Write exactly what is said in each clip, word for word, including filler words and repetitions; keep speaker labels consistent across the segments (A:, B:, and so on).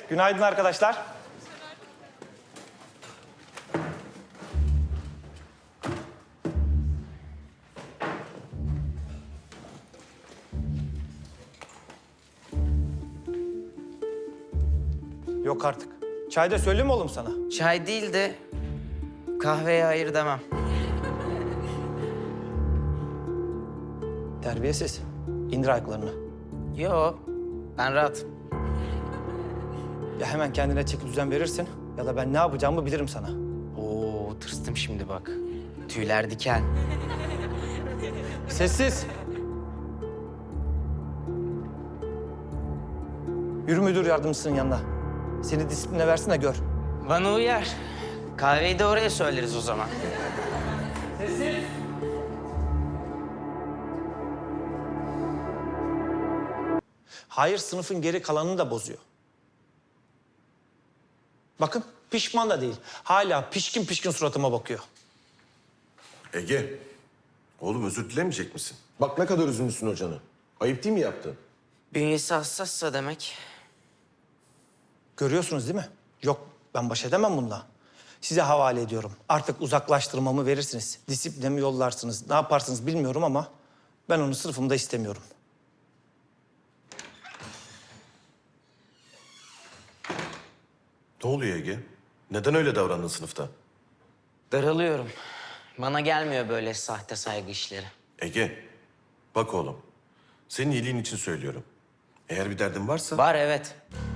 A: Günaydın arkadaşlar. Yok artık. Çay da söyleyeyim mi oğlum sana?
B: Çay değil de kahveye hayır demem.
A: Terbiyesiz. İndir ayaklarını.
B: Yo, ben rahatım.
A: Ya hemen kendine çeki düzen verirsin ya da ben ne yapacağımı bilirim sana.
B: Oo, tırstım şimdi bak. Tüyler diken.
A: Sessiz. Yürü müdür yardımcısının yanına. Seni disipline versin de gör.
B: Bana uyar. Kahveyi de oraya söyleriz o zaman.
A: Hayır, sınıfın geri kalanını da bozuyor. Bakın, pişman da değil. Hala pişkin pişkin suratıma bakıyor.
C: Ege, oğlum özür dilemeyecek misin? Bak ne kadar üzülmüşsün hocanı. Ayıp değil mi yaptın?
B: Bünyesi hassassa demek.
A: Görüyorsunuz değil mi? Yok, ben baş edemem bununla. Size havale ediyorum. Artık uzaklaştırmamı verirsiniz. Disipline mi yollarsınız, ne yaparsınız bilmiyorum ama ben onu sınıfımda istemiyorum.
C: Ne oluyor Ege? Neden öyle davrandın sınıfta?
B: Daralıyorum. Bana gelmiyor böyle sahte saygı işleri.
C: Ege, bak oğlum. Senin iyiliğin için söylüyorum. Eğer bir derdin varsa...
B: Var evet.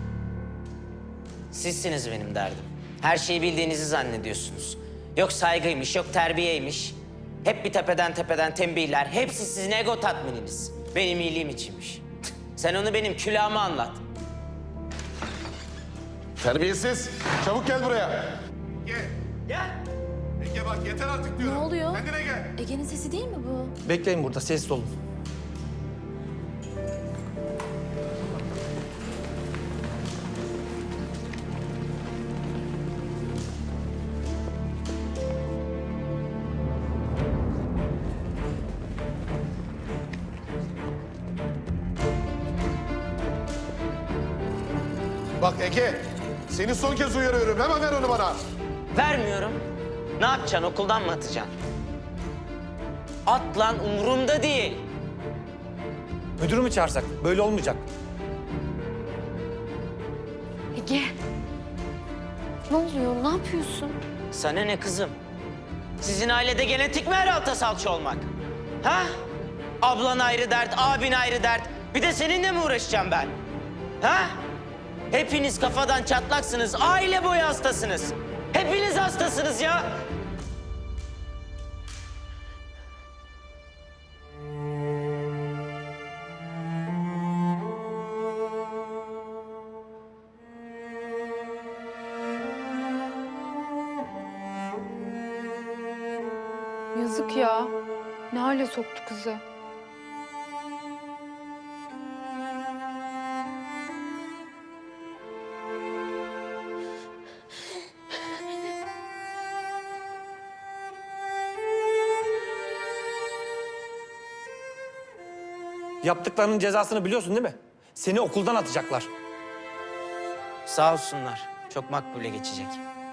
B: Sizsiniz benim derdim. Her şeyi bildiğinizi zannediyorsunuz. Yok saygıymış, yok terbiyeymiş. Hep bir tepeden tepeden tembihler. Hepsi sizin ego tatmininiz. Benim iyiliğim içinmiş. Sen onu benim külahıma anlat.
C: Terbiyesiz! Çabuk gel buraya!
D: Ege,
B: Gel.
D: Ege bak yeter artık diyorum.
E: Ne oluyor?
D: Kendine gel.
E: Ege'nin sesi değil mi bu?
A: Bekleyin burada, sessiz olun.
D: Bak Ege, seni son kez uyarıyorum. Hemen ver onu bana.
B: Vermiyorum. Ne yapacaksın? Okuldan mı atacaksın? At lan, umurumda değil.
A: Müdürü mü çağırsak? Böyle olmayacak.
E: Ege. Ne oluyor? Ne yapıyorsun?
B: Sana ne kızım? Sizin ailede genetik mi her alta salça olmak? Ha? Ablan ayrı dert, abin ayrı dert. Bir de seninle mi uğraşacağım ben? Ha? Hepiniz kafadan çatlaksınız, aile boyu hastasınız. Hepiniz hastasınız ya.
F: Yazık ya. Ne hale soktu kızı.
A: Yaptıklarının cezasını biliyorsun değil mi? Seni okuldan atacaklar.
B: Sağ olsunlar. Çok makbule geçecek.